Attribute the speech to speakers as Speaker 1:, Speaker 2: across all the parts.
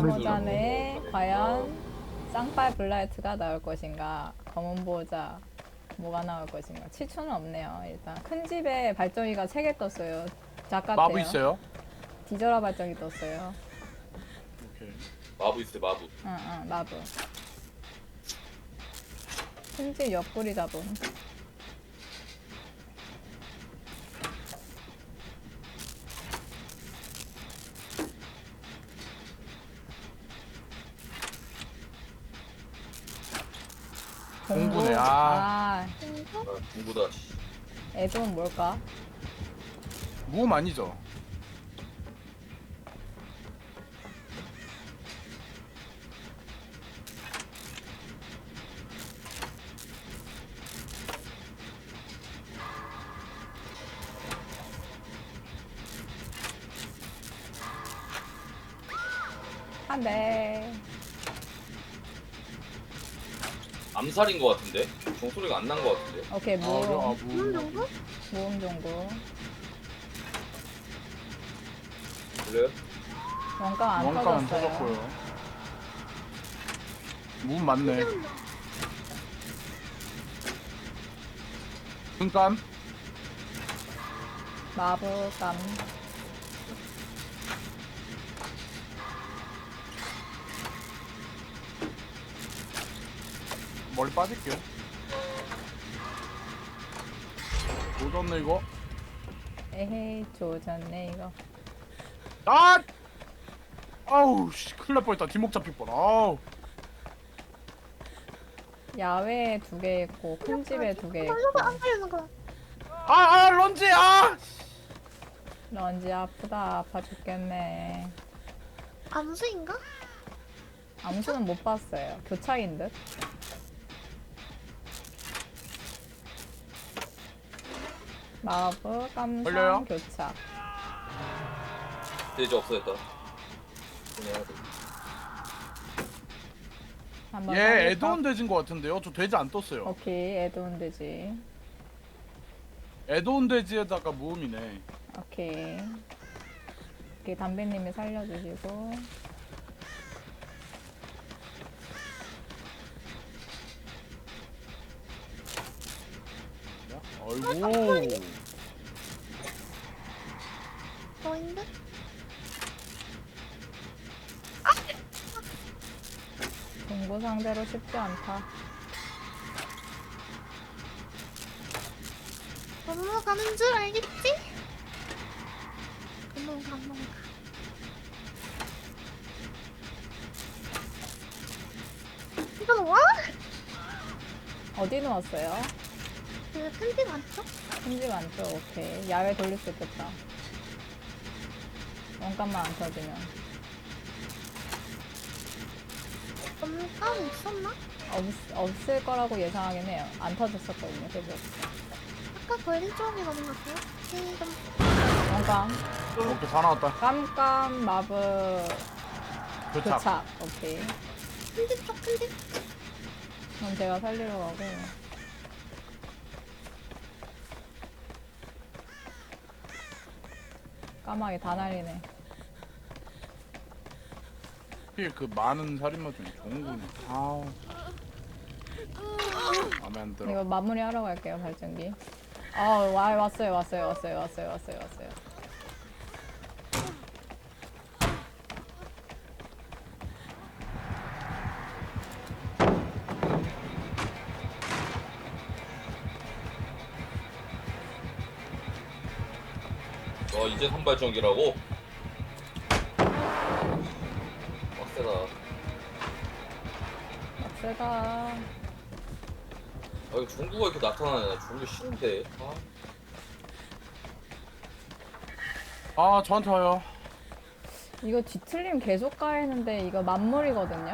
Speaker 1: 모자네. 과연 쌍빨 블라이트가 나올 것인가? 검은 보호자 뭐가 나올 것인가? 치추는 없네요. 일단 큰 집에 발전기가 3개 떴어요. 작같아요.
Speaker 2: 마부 있어요?
Speaker 1: 디저라 발전기 떴어요.
Speaker 2: 오케이.
Speaker 3: 마부 있어요, 마부.
Speaker 1: 응, 마부. 큰 집 옆구리 잡음.
Speaker 2: 공부네.
Speaker 1: 아,
Speaker 3: 아, 공부다. 씨.
Speaker 1: 애돈 뭘까?
Speaker 2: 무음 아니죠?
Speaker 1: 한 대.
Speaker 3: 암살인 것 같은데? 종소리가 안 난 것 같은데?
Speaker 1: 오케이, 모음.
Speaker 2: 무음.
Speaker 4: 정도?
Speaker 1: 모음 정도.
Speaker 3: 그래요?
Speaker 1: 원감 안
Speaker 2: 원가 안
Speaker 1: 터졌어요.
Speaker 2: 터졌고요. 무음 맞네. 눈감.
Speaker 1: 마부감.
Speaker 2: 멀리 빠질게요. 조졌네 이거.
Speaker 1: 에헤이, 조졌네, 이거.
Speaker 2: 아! 아우 씨 큰일 날 뻔했다. 뒷목 잡힐 뻔. 아우.
Speaker 1: 야외에 2개 있고, 큰 집에 2개 있고.
Speaker 4: 살려서 안 살리는 거야.
Speaker 2: 런지 아!
Speaker 1: 런지 아프다. 아파 죽겠네.
Speaker 4: 암수인가?
Speaker 1: 암수는 못 봤어요. 교착인 듯? 마부, 깜상,
Speaker 2: 걸려요?
Speaker 1: 교착.
Speaker 3: 돼지 없어졌다. 그냥
Speaker 1: 한번
Speaker 2: 얘
Speaker 1: 살릴까?
Speaker 2: 애드온 돼지인 것 같은데요? 저 돼지 안 떴어요.
Speaker 1: 오케이, 애드온 되지.
Speaker 2: 애드온 돼지에다가 무음이네.
Speaker 1: 오케이. 오케이, 담배님이 살려주시고.
Speaker 2: 아이고.
Speaker 4: 너인데?
Speaker 1: 동부 상대로 쉽지 않다.
Speaker 4: 넘어가는 줄 알겠지? 넘어가. 이건 와?
Speaker 1: 어디 놓았어요?
Speaker 4: 그 편지 맞죠?
Speaker 1: 큰집 안쪽, 오케이. 야외 돌릴 수 있겠다. 원감만 안 터지면.
Speaker 4: 엄감 있었나?
Speaker 1: 없을 거라고 예상하긴 해요. 안 터졌었거든요, 계속.
Speaker 4: 아까 걸린 쪽이 너무 같아요? 지금
Speaker 1: 원감.
Speaker 2: 오케이 다 나왔다.
Speaker 1: 깜깜, 마브,
Speaker 2: 교착.
Speaker 1: 교착. 오케이.
Speaker 4: 큰집 쪽 큰집.
Speaker 1: 그럼 제가 살리러 가고. 까마귀 다 날리네.
Speaker 2: 하필 그 많은 살인마 중에 좋은 거네. 아우. 마음에 안 들어.
Speaker 1: 이거 마무리 하러 갈게요, 발전기. 왔어요.
Speaker 3: 이제 선발전기라고? 빡세다.
Speaker 1: 세다.
Speaker 3: 아, 이거 중구가 이렇게 나타나네. 나 중구 싫은데.
Speaker 2: 저한테 와요.
Speaker 1: 이거 뒤틀림 계속 가했는데 이거 만물이거든요?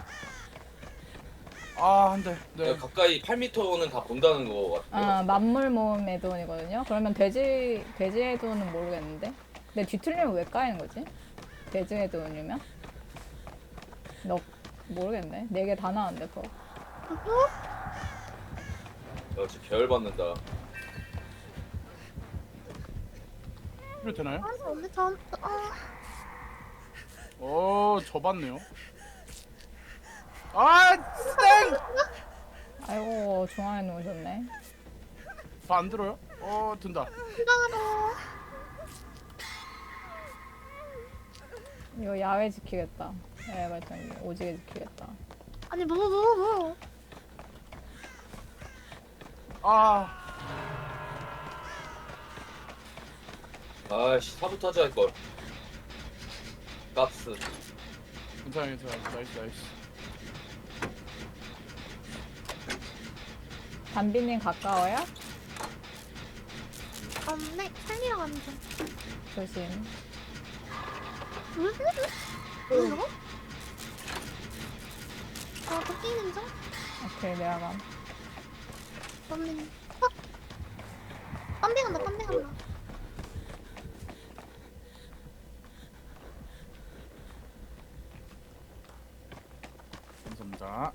Speaker 2: 한 대. 네.
Speaker 3: 가까이 8m는 다 본다는 거 같아요.
Speaker 1: 만물 모음 애돈이거든요? 그러면 돼지 애돈은 모르겠는데? 근데 뒤틀리면 왜 까이는 거지? 돼지 애돈이면? 모르겠네. 4개 다 나왔는데, 그거.
Speaker 3: 야, 진짜 계열받는다.
Speaker 2: 이거 되나요?
Speaker 4: 언니 전
Speaker 2: 접었네요. 아, 땡!
Speaker 1: 아이고 중앙에 놓으셨네.
Speaker 2: 안 들어요? 든다.
Speaker 4: 희망하러.
Speaker 1: 이거 야외 지키겠다. 야외 발전기 오지게 지키겠다.
Speaker 4: 아니 뭐.
Speaker 2: 아,
Speaker 3: 아이씨 사부타지 할걸. 가스.
Speaker 2: 괜찮아. 나이스.
Speaker 1: 담비님 가까워요?
Speaker 4: 네, 살리러 가는 중.
Speaker 1: 조심.
Speaker 4: 응? 이거? 토끼는 중?
Speaker 1: 오케이 내가 감.
Speaker 4: 언니. 확! 뻔빙한다.
Speaker 2: 감사합니다.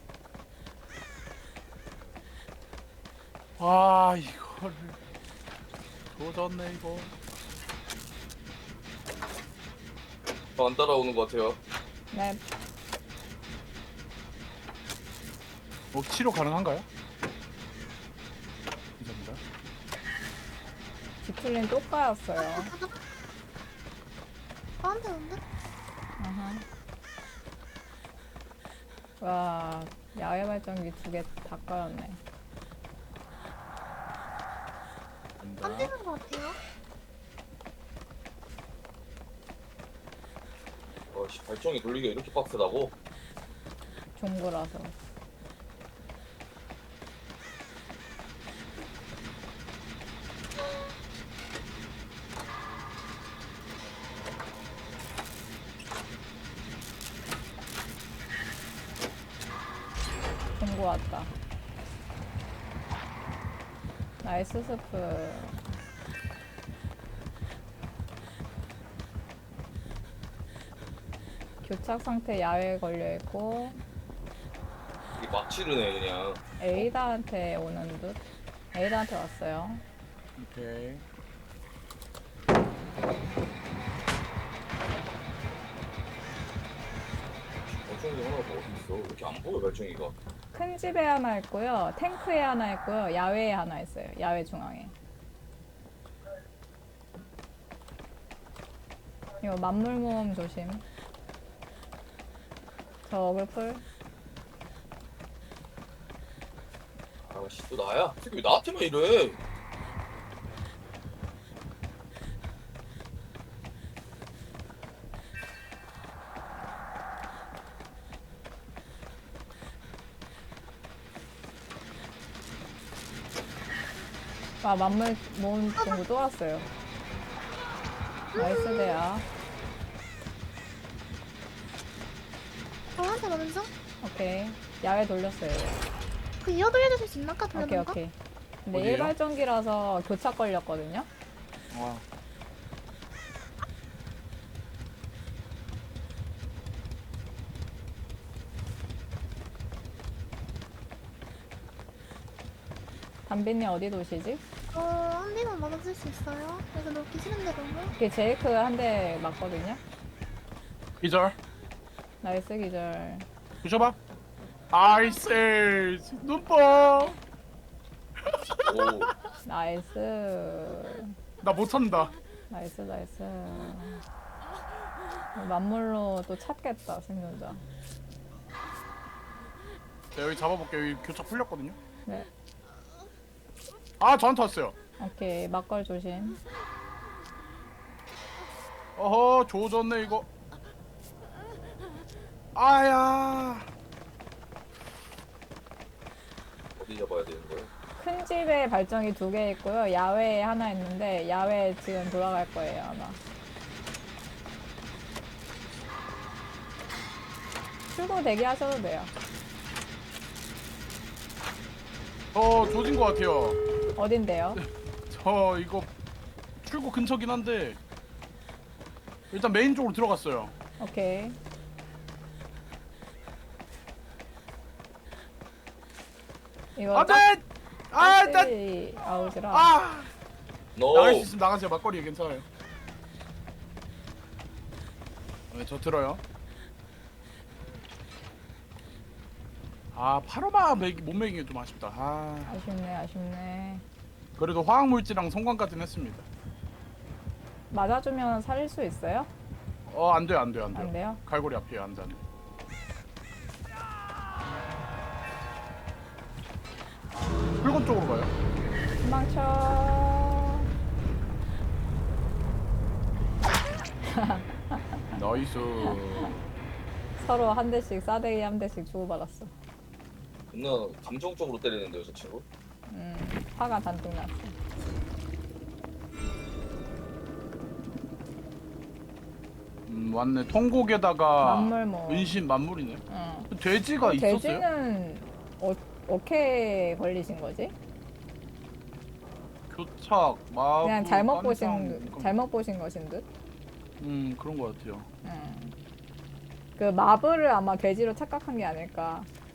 Speaker 2: 아, 이거를 조졌네 이거.
Speaker 3: 안 따라오는 것 같아요.
Speaker 1: 네.
Speaker 2: 치료 가능한가요? 감사합니다.
Speaker 1: 기틀린 또 까였어요.
Speaker 4: 나한테 온대?
Speaker 1: 아하. 와 야외 발전기 2개 다 까였네.
Speaker 4: 안
Speaker 2: 감사합니다.
Speaker 4: 되는 것 같아요.
Speaker 3: 아씨 발정이 돌리기가 이렇게 빡세다고?
Speaker 1: 종구라서. 종구 왔다. 나이스 스프. 교착 상태 야외에 걸려 있고
Speaker 3: 이게 막 치르네 그냥.
Speaker 1: 에이다한테 오는 듯. 에이다한테 왔어요.
Speaker 2: 오케이.
Speaker 3: 발정이 하나가 어디 있어? 왜 이렇게 안 보여 발정이가?
Speaker 1: 큰 집에 하나 있고요. 탱크에 하나 있고요. 야외에 하나 있어요. 야외 중앙에. 이거 만물 모음 조심. 저 어글풀.
Speaker 3: 아씨 또 나야? 이 새끼 왜 나한테만 이래?
Speaker 1: 아 만물 모음 친구 또 왔어요. 나이스 대야.
Speaker 4: 저한테 오는 중?
Speaker 1: 오케이. 야외 돌렸어요.
Speaker 4: 그 이어 돌려주실 수 있나? 아까
Speaker 1: 오케이
Speaker 4: 돌려본 거?
Speaker 1: 오케이. 근데
Speaker 2: 어디에요?
Speaker 1: 일발전기라서 교착 걸렸거든요.
Speaker 2: 와.
Speaker 1: 담비님 어디 도시지?
Speaker 4: 한 대만 맞아줄 수 있어요? 이거 놓기 싫은데 너무?
Speaker 1: 이게 제이크 한 대 맞거든요.
Speaker 2: 기절.
Speaker 1: 나이스 기절.
Speaker 2: 부셔봐. 아이스 눈뽕.
Speaker 3: 오
Speaker 1: 나이스.
Speaker 2: 나 못한다.
Speaker 1: 나이스. 만물로 또 찾겠다 생존자.
Speaker 2: 자, 여기 잡아볼게요. 여기 교착 풀렸거든요.
Speaker 1: 네.
Speaker 2: 아, 저한테 왔어요.
Speaker 1: 오케이 막걸 조심.
Speaker 2: 어허, 조졌네 이거. 아야.
Speaker 3: 어디 잡아야 되는 거야?
Speaker 1: 큰 집에 발전기 2개 있고요. 야외에 하나 있는데 야외 지금 돌아갈 거예요 아마. 출구 대기하셔도 돼요.
Speaker 2: 조진 것 같아요.
Speaker 1: 어딘데요?
Speaker 2: 저 이거 출구 근처긴 한데 일단 메인 쪽으로 들어갔어요.
Speaker 1: 오케이. 이거
Speaker 2: 안돼! 아, 나,
Speaker 1: 짝지 아웃이라.
Speaker 2: 아,
Speaker 3: 너
Speaker 2: 나갈 수 있으면 나가세요. 막걸리 괜찮아요. 네, 저 들어요. 아 파로마 못 먹이는 게 좀 아쉽다. 아
Speaker 1: 아쉽네, 아쉽네.
Speaker 2: 그래도 화학물질랑 성광까지는 했습니다.
Speaker 1: 맞아주면 살릴 수 있어요?
Speaker 2: 안 돼요, 안 돼요, 안 돼요.
Speaker 1: 안 돼요?
Speaker 2: 갈고리 앞이에요, 안 돼, 안 돼. 붉은 쪽으로 가요.
Speaker 1: 도망쳐.
Speaker 2: 나이스.
Speaker 1: 서로 한 대씩 싸대기 한 대씩 주고받았어.
Speaker 3: 존나 감정적으로 때리는데요 저 친구.
Speaker 1: 화가 잔뜩 났어.
Speaker 2: 왔네. 통곡에다가
Speaker 1: 만물 뭐.
Speaker 2: 은신 만물이네.
Speaker 1: 응.
Speaker 2: 돼지가 있었어요?
Speaker 1: 돼지는 어떻게 걸리신 거지?
Speaker 2: 교착, 마부,
Speaker 1: 그냥
Speaker 2: 깜상,
Speaker 1: 잘못 보신 것인 듯.
Speaker 2: 그런 것 같아요.
Speaker 1: 그 마블을 아마 돼지로 착각한 게 아닐까.